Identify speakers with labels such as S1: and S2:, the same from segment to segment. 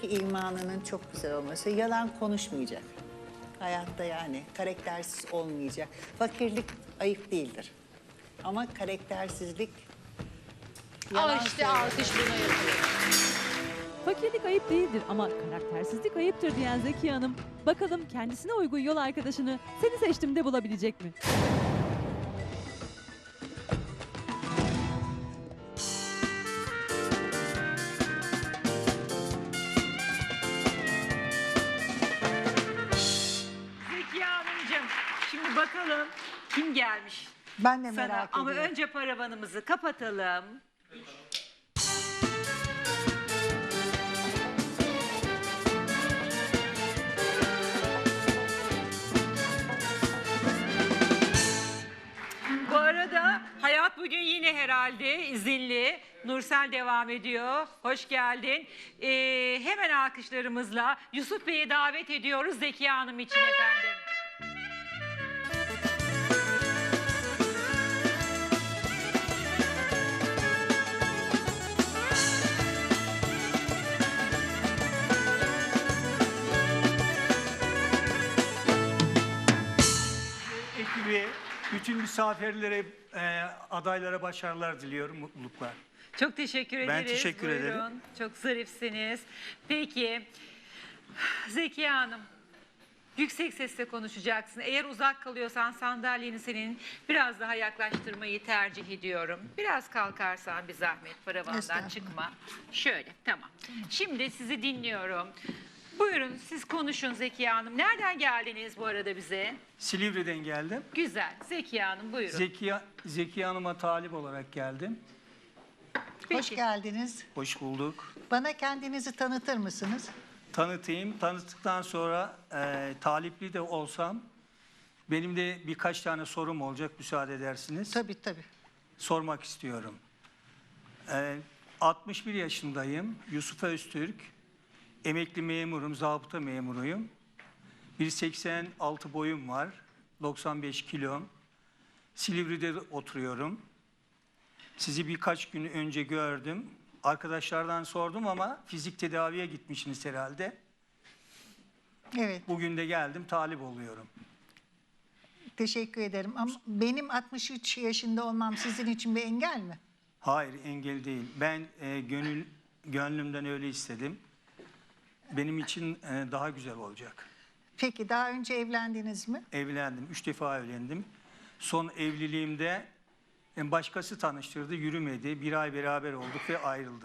S1: ki imanının çok güzel olması. Yalan konuşmayacak. Hayatta yani karaktersiz olmayacak. Fakirlik ayıp değildir. Ama karaktersizlik yalan
S2: Al işte
S1: söylemek.
S2: alkış buna yapıyor.
S3: Fakirlik ayıp değildir ama karaktersizlik ayıptır diyen Zekiye Hanım, bakalım kendisine uygun yol arkadaşını Seni Seçtim'de bulabilecek mi?
S4: Zekiye Hanımcığım, şimdi bakalım kim gelmiş
S1: Ben de
S4: sana.
S1: merak
S4: Ama
S1: ediyorum.
S4: önce paravanımızı kapatalım. Bu arada hayat bugün yine herhalde izinli. Nursel devam ediyor. Hoş geldin. Hemen alkışlarımızla Yusuf Bey'i davet ediyoruz Zekiye Hanım için efendim.
S5: Ekibi, bütün misafirlere, adaylara başarılar diliyorum, mutluluklar.
S4: Çok teşekkür ederiz.
S5: Ben teşekkür
S4: Buyurun.
S5: ederim.
S4: Çok zarifsiniz. Peki, Zekiye Hanım, yüksek sesle konuşacaksın. Eğer uzak kalıyorsan sandalyeni senin biraz daha yaklaştırmayı tercih ediyorum. Biraz kalkarsan bir zahmet paravandan
S1: Estağfurullah.
S4: çıkma. Şöyle, tamam. Şimdi sizi dinliyorum. Buyurun siz konuşun Zekiye Hanım. Nereden geldiniz bu arada bize?
S5: Silivri'den geldim.
S4: Güzel. Zekiye Hanım buyurun.
S5: Zekiye Hanım'a talip olarak geldim.
S1: Hoş
S4: Peki.
S1: geldiniz.
S5: Hoş bulduk.
S1: Bana kendinizi tanıtır mısınız?
S5: Tanıtayım. Tanıttıktan sonra talipli de olsam benim de birkaç tane sorum olacak, müsaade edersiniz.
S1: Tabii tabii.
S5: Sormak istiyorum. 61 yaşındayım. Yusuf Öztürk. Emekli memurum, zabıta memuruyum. 1,86 boyum var. 95 kilom. Silivri'de oturuyorum. Sizi birkaç gün önce gördüm. Arkadaşlardan sordum ama fizik tedaviye gitmişsiniz herhalde.
S1: Evet.
S5: Bugün de geldim, talip oluyorum.
S1: Teşekkür ederim. Ama benim 63 yaşında olmam sizin için bir engel mi?
S5: Hayır, engel değil. Ben gönlümden öyle istedim. Benim için daha güzel olacak.
S1: Peki daha önce evlendiniz mi?
S5: Evlendim, 3 defa evlendim. Son evliliğimde başkası tanıştırdı, yürümedi. Bir ay beraber olduk ve ayrıldım.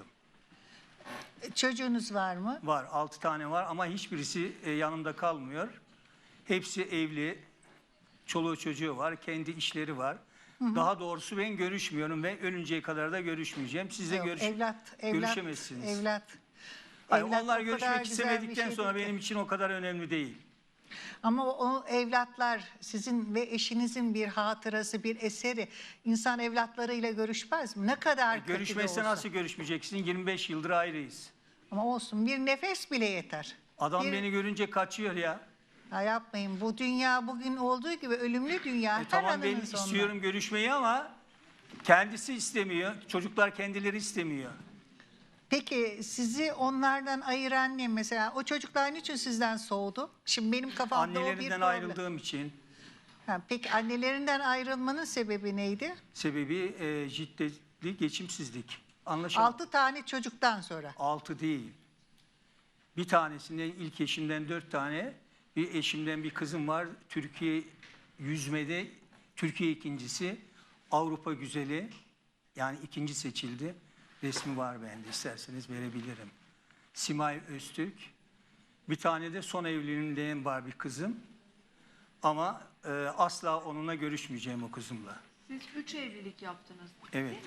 S1: Çocuğunuz var mı?
S5: Var, 6 tane var ama hiçbirisi yanımda kalmıyor. Hepsi evli, çoluğu çocuğu var, kendi işleri var. Daha doğrusu ben görüşmüyorum ve ölünceye kadar da görüşmeyeceğim. Siz de
S1: Yok,
S5: görüşemezsiniz.
S1: Evlat.
S5: Hayır,
S1: Evlat
S5: onlar
S1: o kadar
S5: görüşmek
S1: güzel
S5: istemedikten
S1: bir
S5: sonra
S1: şeydir ki.
S5: benim için o kadar önemli değil.
S1: Ama o evlatlar sizin ve eşinizin bir hatırası, bir eseri. İnsan evlatlarıyla görüşmez mi? Ne kadar kötü de
S5: Görüşmezse
S1: olsa.
S5: nasıl görüşmeyeceksin? 25 yıldır ayrıyız.
S1: Ama olsun, bir nefes bile yeter.
S5: Adam
S1: Bir-
S5: beni görünce kaçıyor ya.
S1: Ha, yapmayın. Bu dünya bugün olduğu gibi ölümlü dünya. Her
S5: Tamam ben
S1: anının sonunda.
S5: istiyorum görüşmeyi ama kendisi istemiyor. Çocuklar kendileri istemiyor.
S1: Peki sizi onlardan ayıran ne mesela? O çocuklar niçin sizden soğudu? Şimdi benim kafamda o bir
S5: Annelerinden
S1: problem.
S5: ayrıldığım için
S1: Ha, peki annelerinden ayrılmanın sebebi neydi?
S5: sebebi şiddetli geçimsizlik. Anlaşıldı.
S1: 6 tane çocuktan sonra.
S5: 6 değil. Bir tanesinden ilk eşimden 4 tane, bir eşimden bir kızım var. Türkiye yüzmede Türkiye ikincisi, Avrupa güzeli. Yani ikinci seçildi. Resmi var bende, isterseniz verebilirim. Simay Öztürk. Bir tane de son evliliğimden var bir kızım. Ama asla onunla görüşmeyeceğim o kızımla.
S2: Siz 3 evlilik yaptınız.
S5: Evet.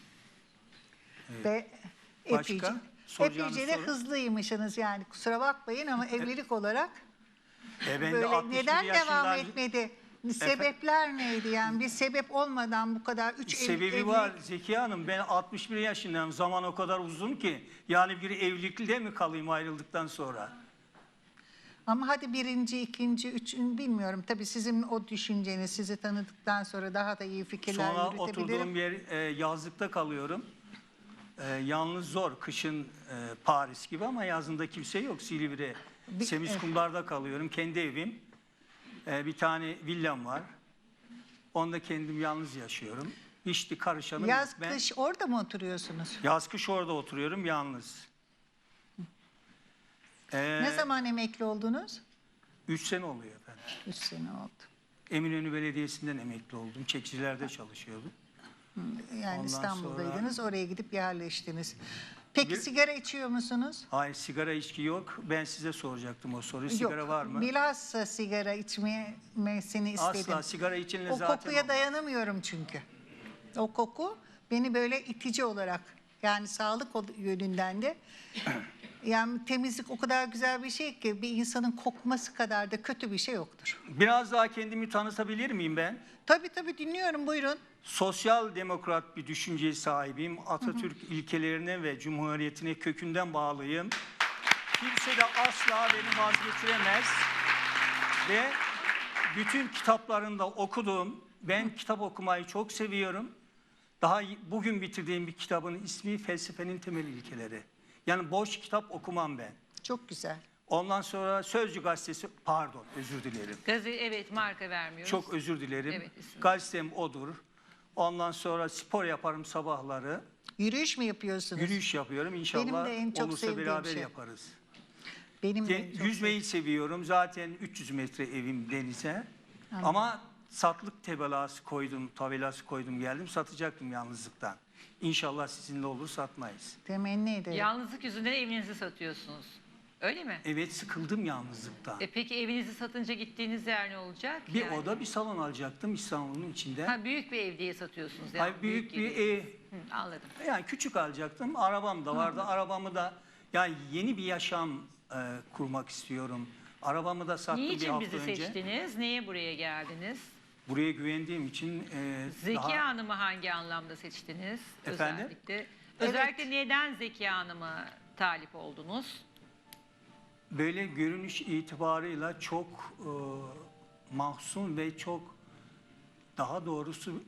S1: Ve
S5: Başka?
S1: epeyce,
S5: Soracağınız
S1: epeyce de
S5: soru?
S1: hızlıymışsınız yani. Kusura bakmayın ama evlilik olarak
S5: Ben de
S1: böyle
S5: 61
S1: neden devam
S5: yaşından-
S1: etmedi? Sebepler neydi yani? Bir sebep olmadan bu kadar 3
S5: Sebebi var Zekiye Hanım. Ben 61 yaşındayım. Zaman o kadar uzun ki. Yani bir evlilikte mi kalayım ayrıldıktan sonra?
S1: Ama hadi birinci, ikinci, üçüncü bilmiyorum. Tabii sizin o düşünceniz sizi tanıdıktan sonra daha da iyi fikirler
S5: Sonra
S1: yürütebilirim.
S5: oturduğum yer yazlıkta kalıyorum. Yalnız zor. Kışın Paris gibi ama yazında kimse yok. Silivri, Semizkumlar'da kalıyorum. Kendi evim. Bir tane villam var. Onda kendim yalnız yaşıyorum. Hiç karışanım
S1: Yaz
S5: yok. Ben
S1: kış orada mı oturuyorsunuz?
S5: yaz kış orada oturuyorum yalnız.
S1: Ne zaman emekli oldunuz?
S5: 3 sene oluyor efendim.
S1: 3 sene oldu.
S5: Eminönü Belediyesi'nden emekli oldum. Çekicilerde çalışıyordum.
S1: Yani
S5: Ondan
S1: İstanbul'daydınız, oraya gidip yerleştiniz. Peki
S5: Bir-
S1: sigara içiyor musunuz?
S5: Hayır, sigara içki yok. Ben size soracaktım o soruyu. Sigara
S1: Yok.
S5: var mı?
S1: Bilhassa sigara içmesini istedim.
S5: Asla sigara içenle
S1: O
S5: zaten
S1: kokuya
S5: olmaz.
S1: dayanamıyorum çünkü. O koku beni böyle itici olarak, yani sağlık yönünden de, yani temizlik o kadar güzel bir şey ki bir insanın kokması kadar da kötü bir şey yoktur.
S5: Biraz daha kendimi tanıtabilir miyim ben?
S1: Tabii dinliyorum, buyurun.
S5: Sosyal demokrat bir düşünceye sahibim. Atatürk ilkelerine ve cumhuriyetine kökünden bağlıyım. Kimse de asla beni vazgeçiremez. Ve bütün kitaplarında okudum. Ben kitap okumayı çok seviyorum. Daha bugün bitirdiğim bir kitabın ismi Felsefenin Temel İlkeleri. Yani boş kitap okumam ben.
S1: Çok güzel.
S5: Ondan sonra Sözcü gazetesi, pardon özür dilerim.
S4: Evet, marka vermiyoruz.
S5: Çok özür dilerim.
S4: Evet, isim.
S5: Gazetem odur. Ondan sonra spor yaparım sabahları.
S1: Yürüyüş mü yapıyorsunuz?
S5: Yürüyüş yapıyorum. İnşallah
S1: Benim de en çok
S5: olursa
S1: sevdiğim
S5: beraber
S1: şey.
S5: yaparız.
S1: Benim de en çok
S5: Yüzmeyi seviyorum. Zaten 300 metre evim denize. Ama satlık tabelası koydum geldim. Satacaktım yalnızlıktan. İnşallah sizinle olur satmayız.
S1: temenni ederim.
S4: Yalnızlık yüzünden evinizi satıyorsunuz. Öyle mi?
S5: Evet sıkıldım yalnızlıktan.
S4: Peki evinizi satınca gittiğiniz yer ne olacak?
S5: Bir
S4: Yani?
S5: oda bir salon alacaktım İstanbul'un içinde.
S4: Ha, büyük bir ev diye satıyorsunuz. Yani.
S5: Hayır, büyük bir ev.
S4: Hı, anladım.
S5: Yani küçük alacaktım. Arabam da vardı. Arabamı da yani yeni bir yaşam kurmak istiyorum. Arabamı da sattım bir
S4: Niçin
S5: hafta
S4: bizi
S5: önce.
S4: seçtiniz? Niye buraya geldiniz?
S5: Buraya güvendiğim için
S4: Zeki
S5: daha
S4: Hanım'ı hangi anlamda seçtiniz?
S5: Efendim?
S4: Özellikle neden Zeki Hanım'a talip oldunuz?
S5: böyle görünüş itibarıyla çok mahzun ve çok daha doğrusu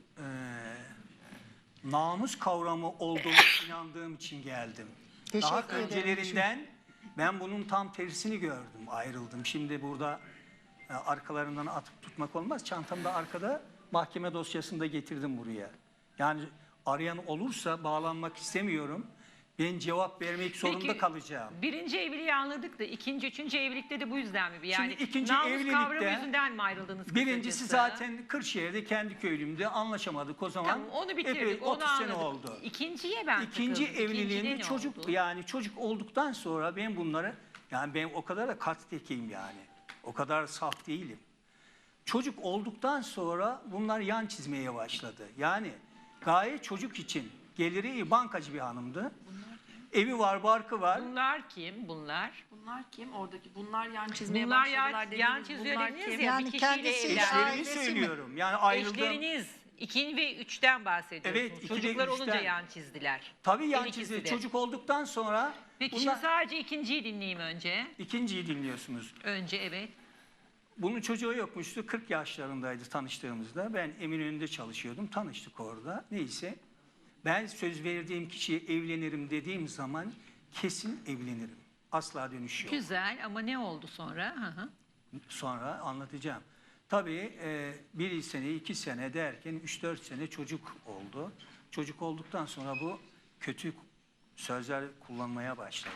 S5: namus kavramı olduğunu inandığım için geldim. Daha
S1: Teşekkür ederim.
S5: öncelerinden ben bunun tam tersini gördüm, ayrıldım. Şimdi burada arkalarından atıp tutmak olmaz. Çantamda arkada mahkeme dosyasını getirdim buraya. Yani arayan olursa bağlanmak istemiyorum. Ben cevap vermek zorunda
S4: Peki,
S5: kalacağım.
S4: birinci evliliği anladık da ikinci, üçüncü evlilikte de bu yüzden mi? Yani
S5: Şimdi ikinci
S4: namus
S5: evlilikte
S4: kavramı yüzünden mi ayrıldınız?
S5: Birincisi
S4: kısacası?
S5: zaten Kırşehir'de kendi köylümde anlaşamadık o zaman.
S4: Tamam, onu bitirdik,
S5: Epey,
S4: onu
S5: 30 sene
S4: anladık.
S5: oldu.
S4: İkinciye ben
S5: İkinci
S4: takıldım. İkincide
S5: evliliğimde
S4: ne
S5: çocuk
S4: oldu?
S5: yani çocuk olduktan sonra ben bunları yani ben o kadar da kattekiyim yani. O kadar saf değilim. Çocuk olduktan sonra bunlar yan çizmeye başladı. Yani gaye çocuk için geliri iyi, bankacı bir hanımdı. Evi var, barkı var.
S4: Bunlar kim? Bunlar?
S2: Bunlar kim? Oradaki bunlar yan çizmeye
S4: Bunlar
S2: başladılar
S4: yan
S2: dediniz.
S4: çiziyor
S2: Bunlar
S4: dediniz
S2: kim?
S4: ya.
S1: Yani
S4: Bir kişiyle
S1: kendisi
S4: evlendi.
S5: Eşlerimi
S1: ailesi mi?
S5: söylüyorum. Yani ayrıldığım.
S4: Eşleriniz 2 ve 3'ten bahsediyorsunuz.
S5: Evet, 2 ve
S4: Çocuklar olunca
S5: 3'ten.
S4: yan çizdiler.
S5: Tabii yan
S4: Her ikisi
S5: çizdi.
S4: de.
S5: Çocuk olduktan sonra
S4: Peki
S5: bunlar...
S4: şimdi sadece ikinciyi dinleyeyim önce.
S5: İkinciyi dinliyorsunuz.
S4: Önce evet.
S5: Bunun çocuğu yokmuştu. 40 yaşlarındaydı tanıştığımızda. Ben Eminönü'nde çalışıyordum. Tanıştık orada. Neyse. Ben söz verdiğim kişiye evlenirim dediğim zaman kesin evlenirim. Asla dönüş yok.
S4: Güzel ama ne oldu sonra? Hı hı.
S5: Sonra anlatacağım. Tabii bir sene, 2 sene derken 3-4 sene çocuk oldu. Çocuk olduktan sonra bu kötü sözler kullanmaya başladı.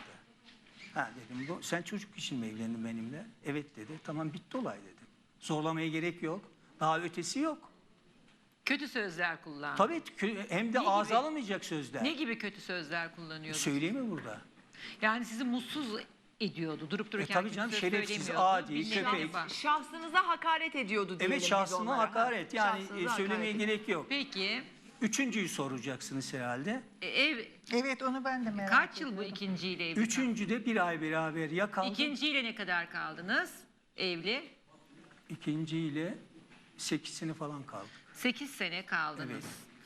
S5: Ha dedim, sen çocuk için mi evlendin benimle? Evet dedi. Tamam bitti olay dedim. Zorlamaya gerek yok. Daha ötesi yok.
S4: Kötü sözler kullandı.
S5: Tabii hem de
S4: Ne
S5: ağza
S4: gibi?
S5: alınmayacak sözler.
S4: Ne gibi kötü sözler kullanıyordu?
S5: Söyleyeyim mi burada?
S4: Yani sizi mutsuz ediyordu. Durup dururken
S5: tabii
S4: kötü
S5: canım,
S4: söz
S5: şerefsiz,
S4: söylemiyordu.
S5: adi,
S4: Bir
S5: köpek.
S4: nevi var.
S2: Şahsınıza hakaret ediyordu diyelim
S5: Evet
S2: biz
S5: şahsına
S2: onlara.
S5: hakaret. Yani
S2: Şahsınıza
S5: söylemeye
S2: hakaret.
S5: gerek yok.
S4: Peki
S5: Üçüncüyü soracaksınız herhalde.
S4: ev
S1: Evet, onu ben de merak
S4: kaç
S1: ediyorum.
S4: yıl bu ikinciyle evli?
S5: Üçüncüde bir ay beraber yakaldım.
S4: İkinciyle ne kadar kaldınız evli?
S5: İkinciyle 8 sene falan kaldık.
S4: 8 sene kaldınız.
S5: Evet.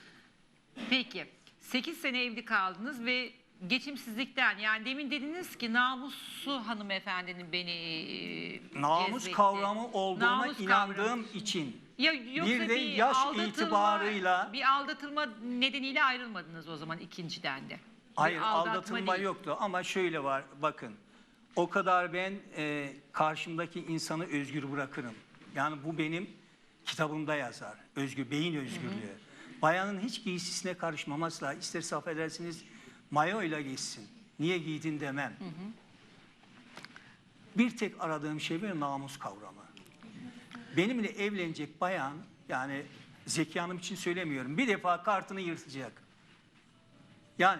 S4: Peki 8 sene evli kaldınız ve geçimsizlikten, yani demin dediniz ki namuslu hanımefendinin beni
S5: Namus
S4: cezbetti.
S5: kavramı olduğuna
S4: Namus
S5: inandığım
S4: kavramı.
S5: için.
S4: Ya yoksa
S5: Bir de yaş
S4: aldatılma-
S5: itibarıyla-
S4: bir aldatılma nedeniyle ayrılmadınız o zaman ikinciden de.
S5: Hayır,
S4: aldatma
S5: aldatılma
S4: değil.
S5: yoktu ama şöyle var, bakın. O kadar ben karşımdaki insanı özgür bırakırım. Yani bu benim kitabımda yazar. Beyin özgürlüğü. Bayanın hiç giysisine karışmaması lazım. İsterse affedersiniz mayoyla geçsin. Niye giydin demem. Bir tek aradığım şey bir namus kavramı. Benimle evlenecek bayan, yani Zeki Hanım için söylemiyorum, bir defa kartını yırtacak. Yani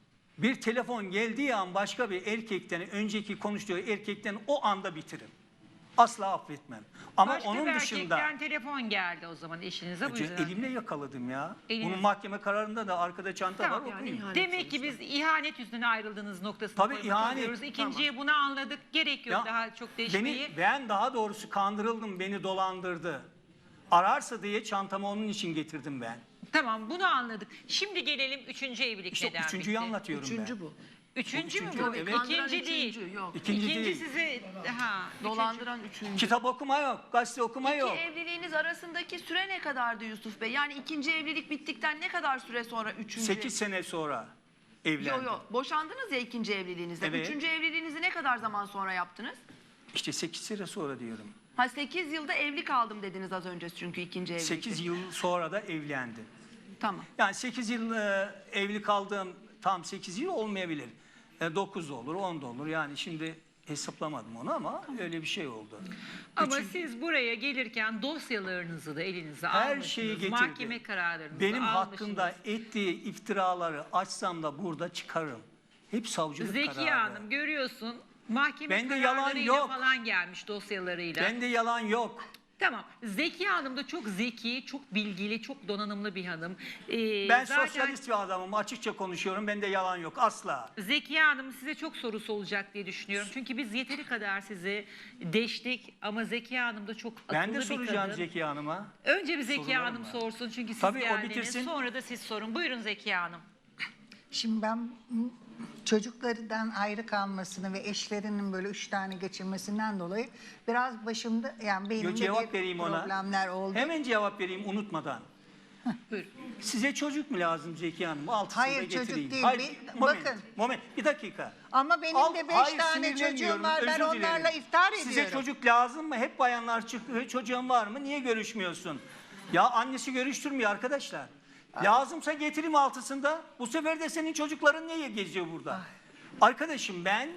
S5: bir telefon geldiği an başka bir erkekten, önceki konuştuğu erkekten o anda bitiririm. Asla affetmem. Ama
S4: Başka
S5: onun
S4: bir
S5: dışında
S4: erkekten telefon geldi o zaman eşinize, bu yüzden.
S5: elimle yakaladım ya.
S4: Eliniz-
S5: Bunun mahkeme kararında da arkada çanta
S4: Tamam,
S5: var, okuyun.
S4: Demek ki biz ihanet yüzünden ayrıldığınız noktasını
S5: Tabii
S4: koymak
S5: ihanet,
S4: istiyoruz. İkinciye bunu anladık. Gerek yok
S5: Ya,
S4: daha çok değişmeyi.
S5: ben daha doğrusu kandırıldım, beni dolandırdı. Ararsa diye çantamı onun için getirdim ben.
S4: Tamam, bunu anladık. Şimdi gelelim üçüncü evlilik
S5: İşte
S4: neden
S5: üçüncüyü
S4: bitti?
S5: anlatıyorum
S2: Üçüncü
S5: ben.
S2: bu.
S4: Üçüncü mü
S5: Üçüncü,
S4: bu?
S5: evet.
S2: Kandıran
S4: İkinci değil.
S2: üçüncü, yok.
S5: İkinci değil.
S4: sizi...
S2: Dolandıran üçüncü.
S5: Kitap okuma yok, gazete okuma yok.
S2: İki evliliğiniz arasındaki süre ne kadardı Yusuf Bey? Yani ikinci evlilik bittikten ne kadar süre sonra üçüncü?
S5: 8 sene sonra evlendim.
S2: Yok yok. Boşandınız ya ikinci evliliğinizde.
S5: Evet.
S2: Üçüncü evliliğinizi ne kadar zaman sonra yaptınız?
S5: İşte 8 sene sonra diyorum.
S2: Ha 8 yılda evli kaldım dediniz az önce çünkü ikinci evlilikte.
S5: 8 yıl sonra da evlendim.
S2: Tamam.
S5: Yani 8 yıl evli kaldığım tam 8 yıl olmayabilir. 9 da olur, 10 da olur. Yani şimdi hesaplamadım onu ama öyle bir şey oldu.
S4: Ama siz buraya gelirken dosyalarınızı da elinize
S5: Her
S4: almışsınız.
S5: şeyi getirdi.
S4: Mahkeme kararlarınızı
S5: Benim
S4: almışsınız.
S5: hakkımda ettiği iftiraları açsam da burada çıkarım. Hep savcılık
S4: Zeki
S5: kararı.
S4: Hanım görüyorsun mahkeme
S5: Bende yalan
S4: kararlarıyla
S5: yok.
S4: falan gelmiş dosyalarıyla.
S5: Bende yalan yok.
S4: Tamam. Zeki Hanım da çok zeki, çok bilgili, çok donanımlı bir hanım.
S5: Ben
S4: zaten
S5: sosyalist bir adamım. Açıkça konuşuyorum. Bende yalan yok. Asla.
S4: Zeki Hanım size çok sorusu olacak diye düşünüyorum. Çünkü biz yeteri kadar sizi deştik ama Zeki Hanım da çok akıllı
S5: Ben de
S4: bir
S5: soracağım
S4: kadın.
S5: Zeki Hanım'a.
S4: Önce bir Zeki
S5: Sorularım
S4: Hanım
S5: var.
S4: sorsun çünkü siz
S5: Tabii, o
S4: geldiniz.
S5: bitirsin.
S4: Sonra da siz sorun. Buyurun Zeki Hanım.
S1: Şimdi ben çocuklarından ayrı kalmasını ve eşlerinin böyle 3 tane geçirmesinden dolayı biraz başımda yani benim de
S5: Cevap
S1: bir
S5: vereyim ona.
S1: problemler oldu.
S5: Hemen cevap vereyim unutmadan.
S4: Buyurun.
S5: Size çocuk mu lazım Zeki Hanım? Altısını
S1: Hayır,
S5: da getireyim.
S1: çocuk değil.
S5: Hayır,
S1: Bir-
S5: moment,
S1: bakın.
S5: moment, bir dakika.
S1: Ama benim de 5
S5: Hayır,
S1: tane
S5: sinirlenmiyorum,
S1: çocuğum var. Ben
S5: özür dilerim.
S1: onlarla iftar ediyorum.
S5: Size çocuk lazım mı? Hep bayanlar çıkıyor. Çocuğun var mı? Niye görüşmüyorsun? Ya annesi görüştürmüyor arkadaşlar. Lazımsa getireyim altısında. Bu sefer de senin çocukların niye geziyor burada? Arkadaşım ben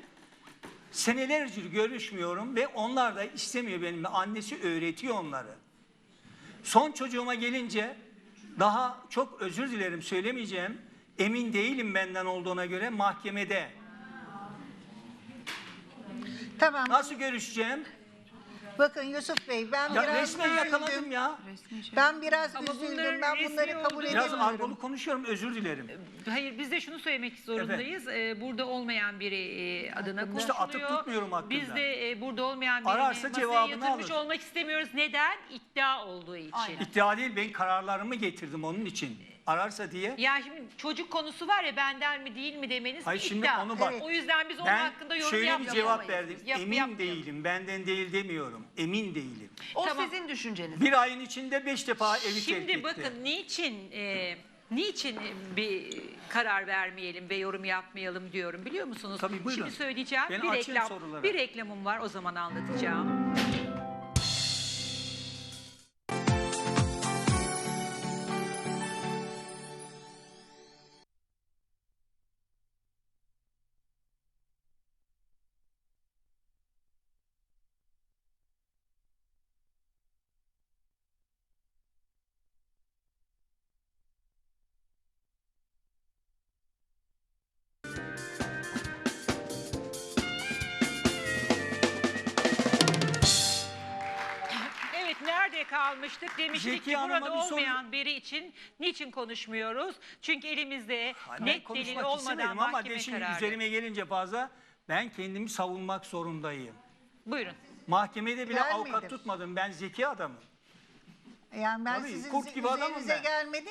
S5: senelerce görüşmüyorum ve onlar da istemiyor benimle. Annesi öğretiyor onları. Son çocuğuma gelince daha çok özür dilerim söylemeyeceğim. Emin değilim benden olduğuna göre mahkemede.
S1: Tamam.
S5: Nasıl görüşeceğim?
S1: Bakın Yusuf Bey ben
S5: Ya
S1: biraz
S5: resmen yakaladım
S1: üzüldüm.
S5: ya.
S1: Ben biraz
S4: Ama bunların
S1: üzüldüm. Ben
S4: resmi
S1: bunları kabul
S4: olduğu-
S5: Biraz
S1: edemiyorum.
S5: argolu konuşuyorum, özür dilerim.
S4: Hayır biz de şunu söylemek zorundayız. Burada olmayan biri adına
S1: Hakkında.
S4: konuşuluyor.
S5: İşte atıp tutmuyorum hakkında.
S4: Biz de burada olmayan birini
S5: Ararsa
S4: masaya
S5: cevabını
S4: yatırmış
S5: alır.
S4: olmak istemiyoruz. Neden? İddia olduğu için.
S2: Aynen.
S5: İddia değil, ben kararlarımı getirdim onun için. Ararsa diye.
S4: Ya şimdi çocuk konusu var ya benden mi değil mi demeniz
S5: Hayır
S4: bir
S5: şimdi
S4: iddia.
S5: onu bak.
S1: Evet.
S4: O yüzden biz onun
S5: Ben
S4: hakkında yorum
S5: şöyle bir
S4: yapmayalım.
S5: cevap verdim. Emin
S4: yapmayalım.
S5: değilim, benden değil demiyorum. Emin değilim.
S2: O
S4: Tamam.
S2: sizin düşünceniz.
S5: Bir ayın içinde 5 defa evi terk
S4: Şimdi
S5: etti.
S4: bakın niçin bir karar vermeyelim ve yorum yapmayalım diyorum biliyor musunuz?
S5: Tabii, buyurun.
S4: Şimdi söyleyeceğim.
S5: Ben
S4: bir
S5: açığım sorulara.
S4: bir reklamım var o zaman anlatacağım. Evet nerede kalmıştık? Demiştik
S5: Zeki
S4: ki
S5: Hanım'a
S4: burada
S5: bir soru-
S4: olmayan biri için niçin konuşmuyoruz? Çünkü elimizde
S5: Ben
S4: net delil
S5: konuşmak
S4: olmadan
S5: istemedim ama
S4: mahkeme
S5: şimdi
S4: kararı.
S5: üzerime gelince fazla ben kendimi savunmak zorundayım.
S4: Buyurun.
S5: Mahkemede bile
S1: Gelmedim.
S5: avukat tutmadım. Ben zeki adamım.
S1: Yani ben
S5: Tabii,
S1: sizin
S5: kurt gibi adamım
S1: üzerinize
S5: ben.
S1: gelmedim